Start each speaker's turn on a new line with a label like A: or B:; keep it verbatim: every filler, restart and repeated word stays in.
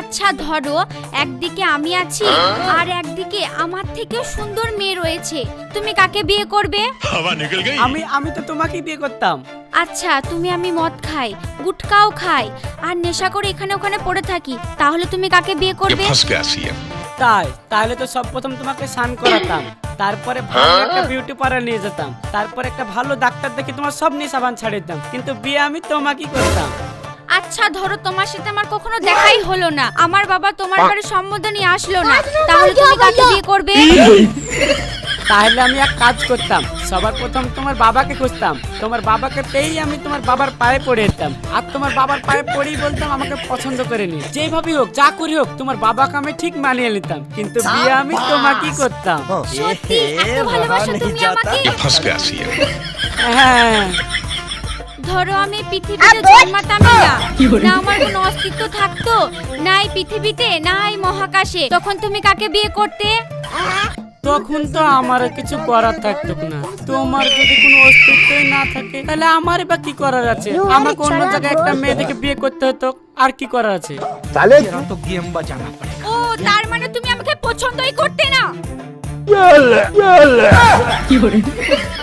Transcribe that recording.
A: আচ্ছা ধরো একদিকে আমি আছি আর একদিকে আমার থেকে সুন্দর মেয়ে রয়েছে, তুমি কাকে বিয়ে করবে?
B: আমি আমি তো তোমাকেই বিয়ে করতাম।
A: আচ্ছা তুমি আমি মদ খাই, গুটকাও খাই আর নেশা করে এখানে ওখানে পড়ে থাকি, তাহলে তুমি কাকে বিয়ে করবে?
B: তাই তাহলে তো সব প্রথম তোমাকে স্নান করাতাম, তারপরে ভালো একটা বিউটি পার্লার নিয়ে যেতাম, তারপর একটা ভালো ডাক্তার দেখে তোমার সব নিয়ে সাবান ছাড়িয়ে দিতাম, কিন্তু বিয়ে আমি তোমাকেই করতাম।
A: আচ্ছা ধরো তোমার সাথে আমার কখনো দেখাই হলো না, আমার বাবা তোমার বাড়ির সম্বন্ধ নিয়ে আসলো না, তাহলে তুমি কাকে বিয়ে করবে?
B: তাহলে আমি এক কাজ করতাম, সবার প্রথম তোমার বাবাকে খুঁজতাম, তোমার বাবাকে পেয়েই আমি তোমার বাবার পায়ে পড়ে যেতাম, আর তোমার বাবার পায়ে পড়েই বলতাম আমাকে পছন্দ করে নি, যেভাবেই হোক যা করি হোক তোমার বাবাকে আমি ঠিক মানিয়ে নিতাম, কিন্তু বিয়ে আমি তোমাকেই করতাম।
A: সত্যি এত ভালোবাসো তুমি আমাকে?
B: হ্যাঁ
A: ধরো আমি পৃথিবীতে জন্মাতামই না, না আমার কোনো অস্তিত্ব থাকতো, না এই পৃথিবীতে না এই মহাকাশে, তখন তুমি কাকে বিয়ে করতে?
B: তখন তো আমার কিছু করার থাকতো না, তোমার যদি কোনো অস্তিত্বই না থাকে তাহলে আমার বা কি করার আছে, আমাকে অন্য জায়গায় একটা মেয়ে দেখে বিয়ে করতে হতো, আর কি করার আছে?
C: তাহলে তো গেম বাজানা পড়েগা।
A: ও তার মানে তুমি আমাকে পছন্দই করতে না?
C: কি বলে